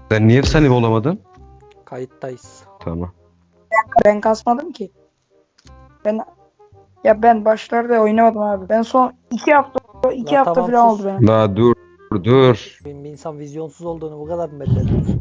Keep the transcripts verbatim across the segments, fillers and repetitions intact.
Sen niye efsanevi olamadın? Kayıttayız. Tamam. Ben kasmadım ki. Ben ya ben başlarda oynamadım abi. Ben son iki hafta iki La hafta tamam, falan sus. oldu benim. La dur dur. Bir bir insan vizyonsuz olduğunu bu kadar mı belli ediyorsun?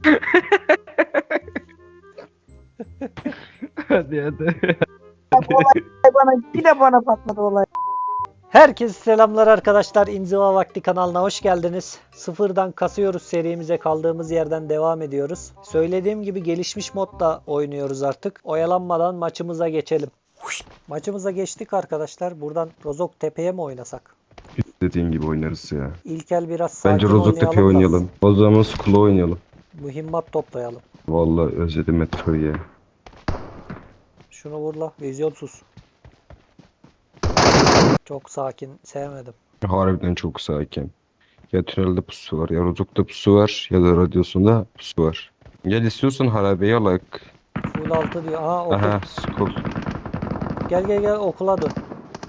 Hadi hadi. Bana bir de bana patladı olay. Herkese selamlar arkadaşlar. İnziva Vakti kanalına hoş geldiniz. Sıfırdan kasıyoruz serimize, kaldığımız yerden devam ediyoruz. Söylediğim gibi gelişmiş modda oynuyoruz artık. Oyalanmadan maçımıza geçelim. Maçımıza geçtik arkadaşlar. Buradan Rozok Tepe'ye mi oynasak? Dediğin gibi oynarız ya. İlkel biraz sakin Bence Rozoktepe da oynayalım. O zaman Skull'a oynayalım. mühimmat toplayalım. Vallahi özledim metroyu ya. Şunu vur la. Vizyonsuz. Çok sakin. Sevmedim. Harbiden çok sakin. Ya tünelde pusu var, ya Rozok'ta pusu var, ya da radyosunda pusu var. Gel istiyorsan harabeyi alak. Full altı diyor. Aha okul. Aha, Skull. Gel gel gel okula dön.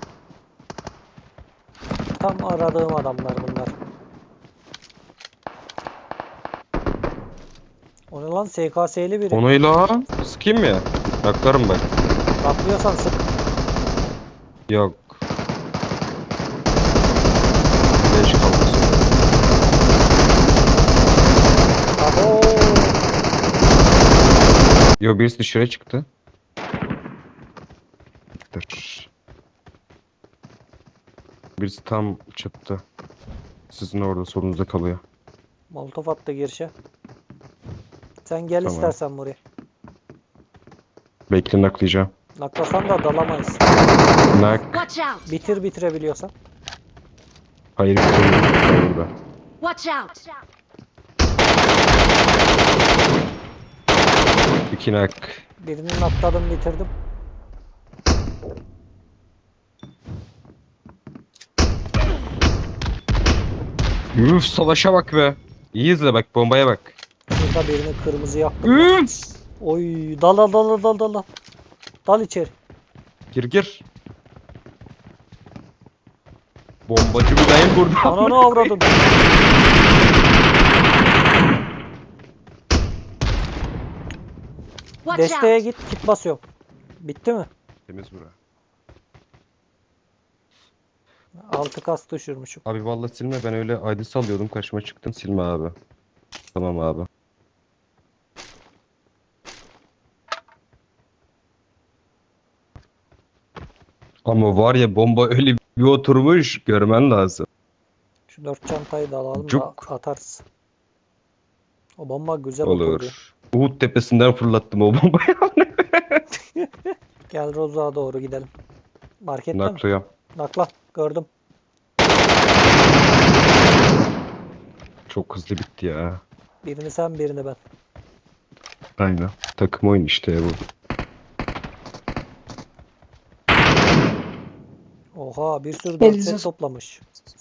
Tam aradığım adamlar bunlar. O ne lan, S K S'li biri. Onayla. Sıkayım mı ya? Baklarım bak. Atlıyorsan sık. Yok. Beş kaldı. Abo. Yo, birisi dışarı çıktı. Dur. Birisi tam çıktı. Sizin orada solunuzda kalıyor. Molotof attı girişe. Sen gel Tamam. istersen buraya. Bekle, naklayacağım. Naklasan da dalamayız. Nak. Watch out! Bitir bitirebiliyorsan. Hayır, bitirmiyorum burada. Watch out! İki nak. Birini nakladım, bitirdim. Üf, savaşa bak be. İyi izle bak, bombaya bak. Şurada birini kırmızı yaptım. Üf. Oy, dal dal dal dal dal dal. Dal içeri. Gir gir. Bombacı buradayım burada. Ananı avradın. Watch Desteğe out! git, kit basıyorum. Bitti mi? Temiz bura. Altı kas düşürmüşüm. Abi vallahi silme, ben öyle I D salıyordum, karşıma çıktın, silme abi. Tamam abi. Ama var ya, bomba öyle bir oturmuş, görmen lazım. Şu dört çantayı da alalım Cuk. da atarız. O bomba güzel oturdu. Olur. Uhud tepesinden fırlattım o bombayı. Gel Roza'ya doğru gidelim. Markette mi? Naklıya. Nakla. Gördüm. Çok hızlı bitti ya. Birini sen, birini ben. Aynen. Takım oyun işte bu. Oha, bir sürü dört Elinize set sa- toplamış.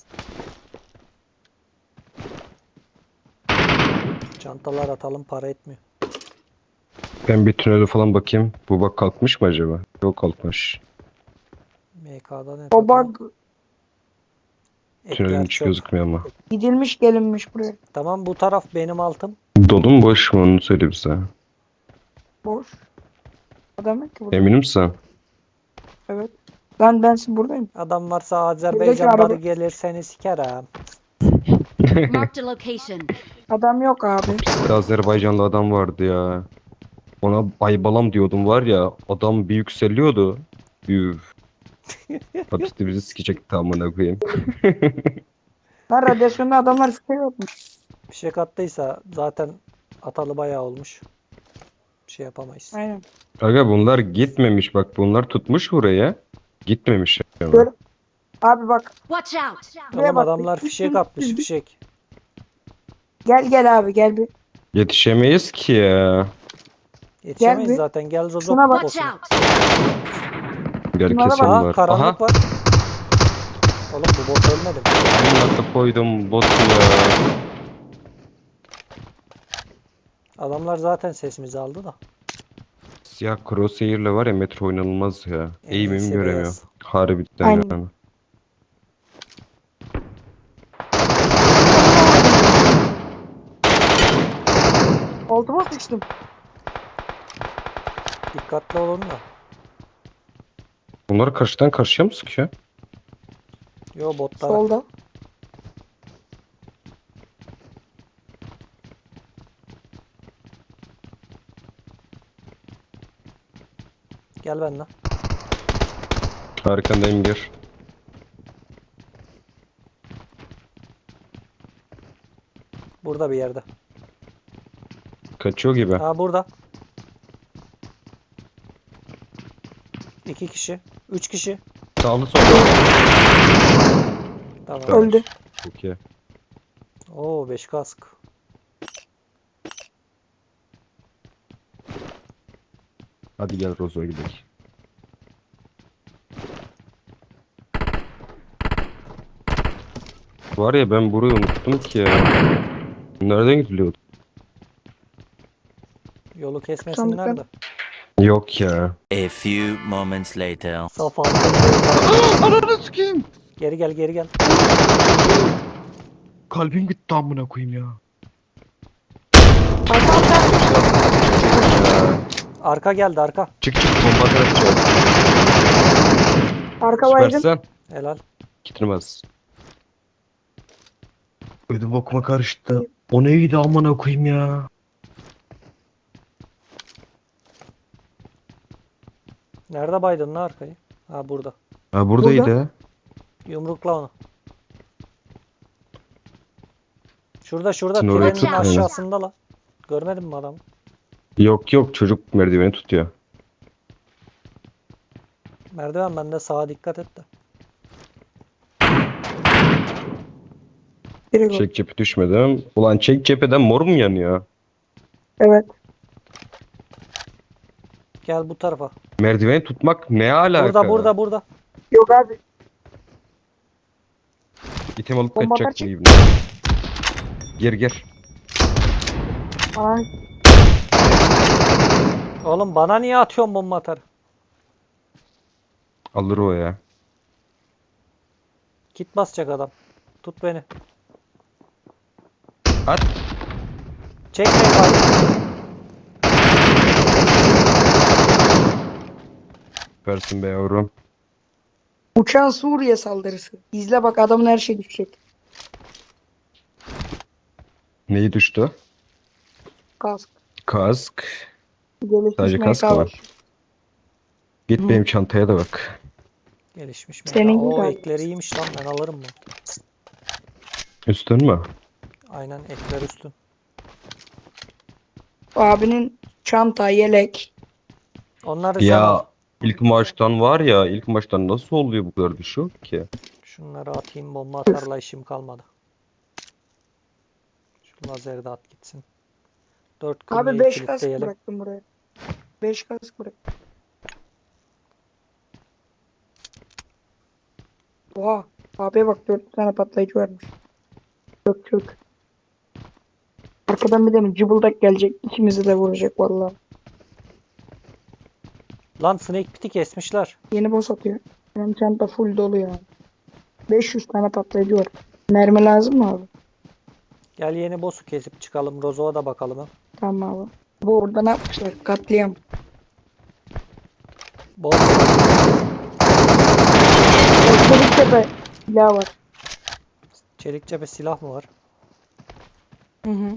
Çantalar atalım, para etmiyor. Ben bir tünele falan bakayım. Bu bak kalkmış mı acaba? Yok, kalkmış. M K'da ne O takalım? bug Tünelin Ekler içi çöp. gözükmüyor ama. gidilmiş gelinmiş buraya. Tamam, bu taraf benim altım. Dolu mu boş mu, onu söyle bize. Boş. Adam yok ki burada. Emin misin? Evet. Lan ben buradayım. Adam varsa Azerbaycanları araba- gelir seni sikerim. Marked a location. Adam yok abi. Bir Azerbaycanlı adam vardı ya. Ona baybalam diyordum var ya. Adam bir yükseliyordu. Üf. Hapiste bizi sikecekti amına koyayım. Lan radyasyonda adamlar fikir yokmuş. Bir şey kattıysa zaten atalı bayağı olmuş. Bir şey yapamayız. Aynen. Aga bunlar gitmemiş, bak bunlar tutmuş buraya. Gitmemiş ama. Gör- Abi bak Watch out! buraya Oğlum bak. adamlar fişek atmış, fişek. Gel gel abi gel bir. Yetişemeyiz ki ya. Yetişemeyiz bir. zaten, gel Rozok Şuna bak. Watch olsun. out! Gel Bunlara kesin Aha, var. karanlık Aha. var. Oğlum bu bot ölmedi mi? Amına koydum bot ya. Adamlar zaten sesimizi aldı da. Siyah crosshair'le var ya, metro oynanılmaz ya. En Eğimimi iyisi göremiyorum. beyaz. Harbiden Aynen. yani. Altıma sıçtım. Dikkatli olun da. Bunlar karşıdan karşıya mı sıkıyor? Yo botlar. Solda. Gel benden. Arkandayım gir. Burada bir yerde. Kaçıyor gibi. Ha burada. İki kişi. Üç kişi. Sağlı solda. Tamam. Tamam. Öldü. Çok iyi. Oo beş kask. Hadi gel Rozo'ya gidelim. Var ya ben burayı unuttum ki ya. Nereden gidiliyordu? Yolu kesmesinler de. Yok ya. A few moments later. Safa. Ananı sikeyim. Geri gel geri gel. Kalbim gitti amına koyayım ya. Arka arka. Arka geldi arka. Çık çık bomba atacağız. Arka baygın. Süpersen. Helal. Gitmez. Ödüm okuma karıştı. O neydi amına koyayım ya. Nerede baydın lan arkayı? Ha burada. Ha buradaydı. Burada. Yumrukla onu. Şurada şurada Sen orayı trenin tut, aynen. aşağısında la. Görmedin mi adamı? Yok yok çocuk merdiveni tutuyor. Merdiven bende, sağa dikkat et de. Biri gol. Çek cephe düşmedim. Ulan çek cepheden mor mu yanıyor? Evet. Gel bu tarafa. Merdiveni tutmak ne alaka? Burada burada burada. Yok abi. İtem alıp Bomba kaçacak atar mı gibi. Gir gir. Aa, Oğlum bana niye atıyorsun bomba atar? Alır o ya. Kit basacak adam. Tut beni. At. Çek beni bari. Süpersin be yavrum. uçan Suriye saldırısı. İzle bak, adamın her şey düşecek. Neyi düştü? Kask. Kask. Gelişmiş Sadece M K kask mı var? Git Hı. benim çantaya da bak. Gelişmiş mi? Senin O gibi. ekleri iyiymiş lan, ben alırım mı? Üstün mü? Aynen, ekler üstün. Abinin çanta, yelek. Onları sen al. Ya ilk maçtan var ya ilk maçtan nasıl oluyor bu kadar düşük ki? Şunları atayım, bomba atarla işim kalmadı. Şu lazeri de at gitsin. Dört Abi kırmayı beş kask kilitleyelim. bıraktım buraya. beş kask bıraktım. Oha. Abiye bak, dört tane patlayıcı varmış. Çök çök. Arkadan bir de mi cıbıldak gelecek. İkimizi de vuracak vallahi. Lan snake pit'i kesmişler. Yeni boss atıyor. Benim çanta full dolu ya. beş yüz tane patlayıcı var. Mermi lazım mı abi? Gel yeni boss'u kesip çıkalım. Rozo'ya da bakalım ha. Tamam abi. Bu orada ne yapmışlar? Katliam. Boss. Çelik tepe silah var. Çelik cephe silah mı var? Hı hı.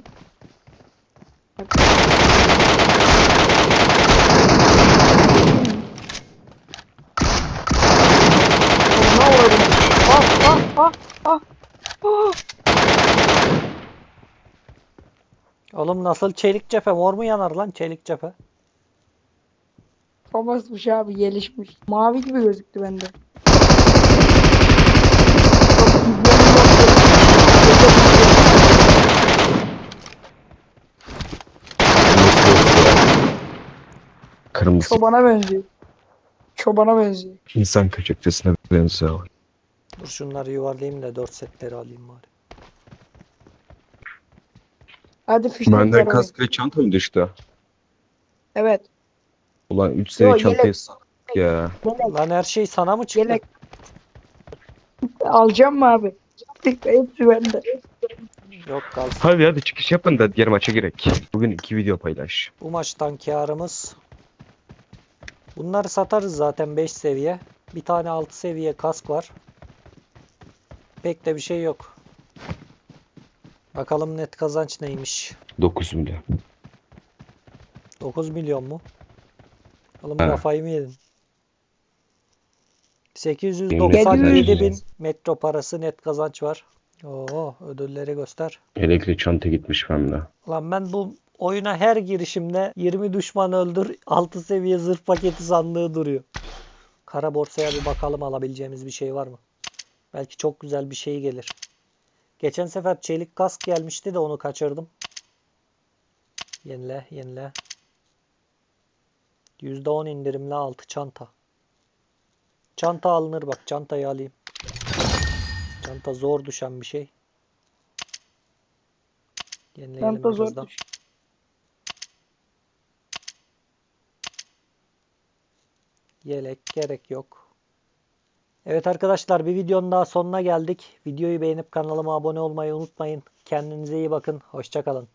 Ne uğradım? Ah ah ah ah. Ah. Oğlum nasıl çelik cephe? Mor mu yanar lan çelik cephe? Babasmış abi, gelişmiş. Mavi gibi gözüktü bende. Kırmızı Çobana benziyor. Çobana benziyor. insan köçekçesine benziyor. Dur şunları yuvarlayayım da dört setleri alayım bari. Hadi fişek Benden ver kask ve çanta mı düştü? Evet. Ulan üç seviye Yo, çantayı yelek. sattık ya. Yelek. Lan her şey sana mı çıktı? Yelek. Alacağım mı abi? Hepsi bende. Yok kalsın. Hadi hadi çıkış yapın da diğer maça girek. Bugün iki video paylaş. Bu maçtan kârımız. Bunları satarız zaten beş seviye. Bir tane altı seviye kask var. Pek de bir şey yok. Bakalım net kazanç neymiş. dokuz milyon. dokuz milyon mu? Oğlum Evet. kafayı mı yedin? sekiz yüz doksan yedi bin metro parası net kazanç var. Oo, ödülleri göster. Elektrikli çanta gitmiş bende. Lan ben bu oyuna her girişimde yirmi düşman öldür, altı seviye zırh paketi sandığı duruyor. Kara borsaya bir bakalım, alabileceğimiz bir şey var mı? Belki çok güzel bir şey gelir. Geçen sefer çelik kask gelmişti de onu kaçırdım. Yenile, yenile. yüzde on indirimli altı çanta. Çanta alınır bak, çantayı alayım. Çanta zor düşen bir şey. Yenileyelim Çanta zor birazdan. düş. Yelek gerek yok. Evet arkadaşlar, bir videonun daha sonuna geldik. Videoyu beğenip kanalıma abone olmayı unutmayın. Kendinize iyi bakın. Hoşça kalın.